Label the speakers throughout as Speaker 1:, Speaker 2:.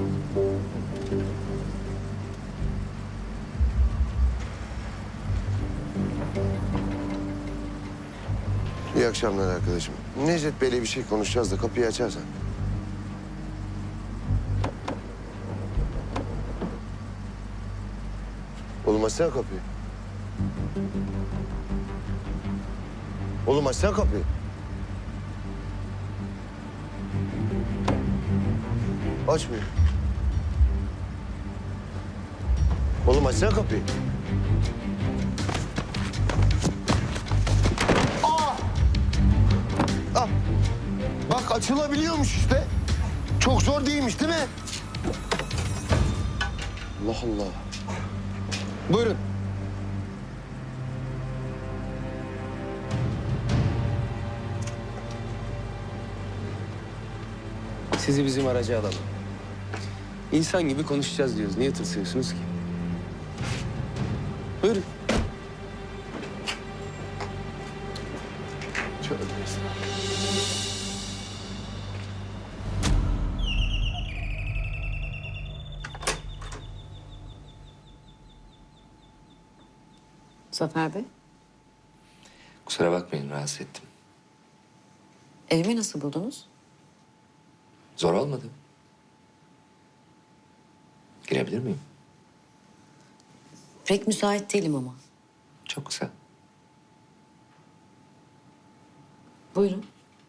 Speaker 1: İyi akşamlar arkadaşım. Necdet Bey'le bir şey konuşacağız da kapıyı açarsan. Oğlum açsana kapıyı. Oğlum açsana kapıyı. Açmıyor. Oğlum açsana kapıyı. Ah! Bak açılabiliyormuş işte. Çok zor değilmiş değil mi? Allah Allah. Buyurun.
Speaker 2: Sizi bizim araca alalım. İnsan gibi konuşacağız diyoruz. Niye tırsıyorsunuz ki? Buyurun.
Speaker 1: Tövbe estağfurullah.
Speaker 3: Zafer Bey,
Speaker 4: Kusura bakmayın, rahatsız ettim.
Speaker 3: evimi nasıl buldunuz?
Speaker 4: Zor olmadı. Girebilir miyim?
Speaker 3: Pek müsait değilim ama.
Speaker 4: Çok kısa.
Speaker 3: Buyurun.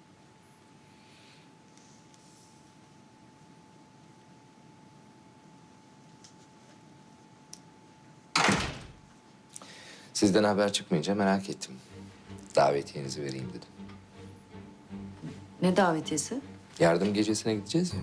Speaker 4: Sizden haber çıkmayınca merak ettim. Davetiyenizi vereyim dedim.
Speaker 3: Ne davetiyesi?
Speaker 4: Yardım gecesine gideceğiz ya.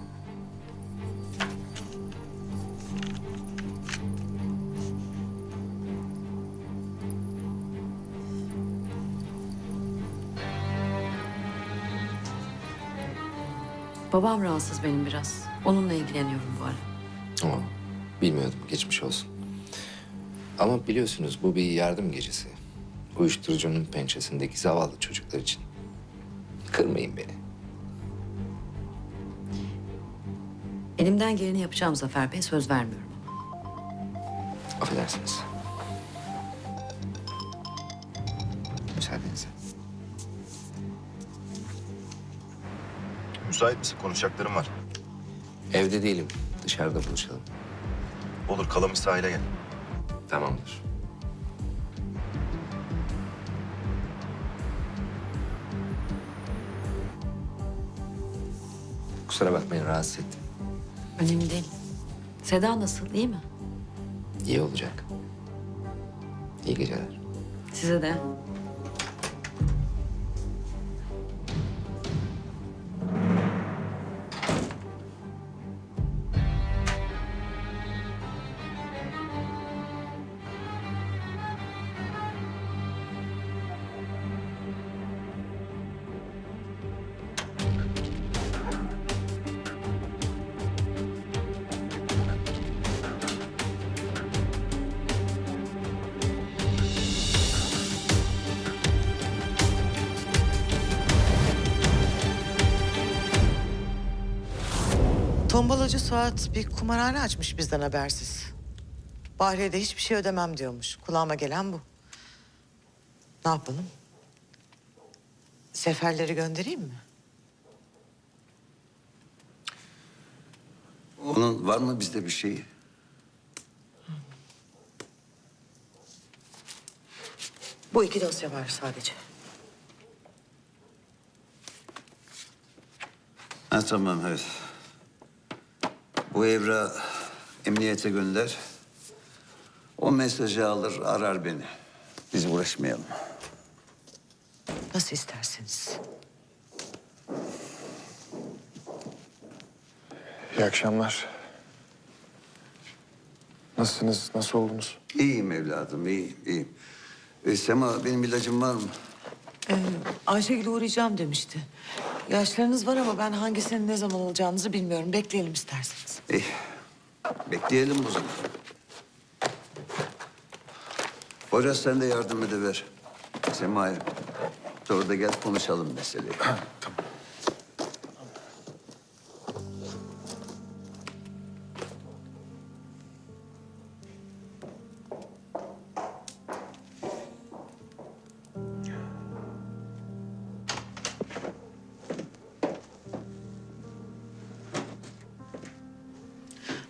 Speaker 3: Babam rahatsız benim biraz. Onunla ilgileniyorum bu ara.
Speaker 4: Ama bilmiyordum, geçmiş olsun. Ama biliyorsunuz bu bir yardım gecesi. Uyuşturucunun pençesindeki zavallı çocuklar için. Kırmayın beni.
Speaker 3: Elimden geleni yapacağım Zafer Bey, söz vermiyorum.
Speaker 4: Affedersiniz. Müsaadenizle.
Speaker 5: Müsait misin? Konuşacaklarım var.
Speaker 4: Evde değilim. Dışarıda buluşalım.
Speaker 5: Olur, Kalamış sahile gel.
Speaker 4: Tamamdır. Kusura bakmayın, rahatsız ettim.
Speaker 3: Önemli değil. Seda nasıl, iyi mi?
Speaker 4: İyi olacak. İyi geceler.
Speaker 3: Size de.
Speaker 6: Tombalacı Suat bir kumarhane açmış bizden habersiz. Bahriye de hiçbir şey ödemem diyormuş. Kulağıma gelen bu. Ne yapalım? Seferleri göndereyim mi?
Speaker 7: Onun var mı bizde bir şeyi?
Speaker 6: Bu iki dosya var sadece.
Speaker 7: Ha tamam evet. Bu evrağı emniyete gönder. O mesajı alır arar beni. Biz uğraşmayalım.
Speaker 6: Nasıl isterseniz.
Speaker 8: İyi akşamlar. Nasılsınız? Nasıl oldunuz?
Speaker 7: İyiyim evladım, iyiyim. Sema benim ilacım var mı?
Speaker 6: Ayşegül'e uğrayacağım demişti. Yaşlarınız var ama ben hangisinin ne zaman olacağınızı bilmiyorum. Bekleyelim isterseniz.
Speaker 7: İyi. Bekleyelim o zaman. Poyraz sen de yardım ediver. Sema'ya. Sonra da gel konuşalım meseleyi.
Speaker 8: Tamam.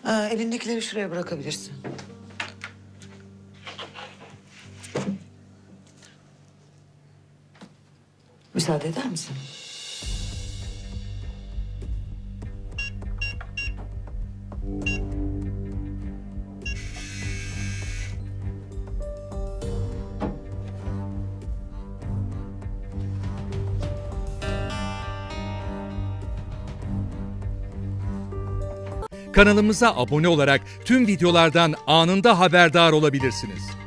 Speaker 6: Elindekileri şuraya bırakabilirsin. Müsaade eder misin?
Speaker 9: Kanalımıza abone olarak tüm videolardan anında haberdar olabilirsiniz.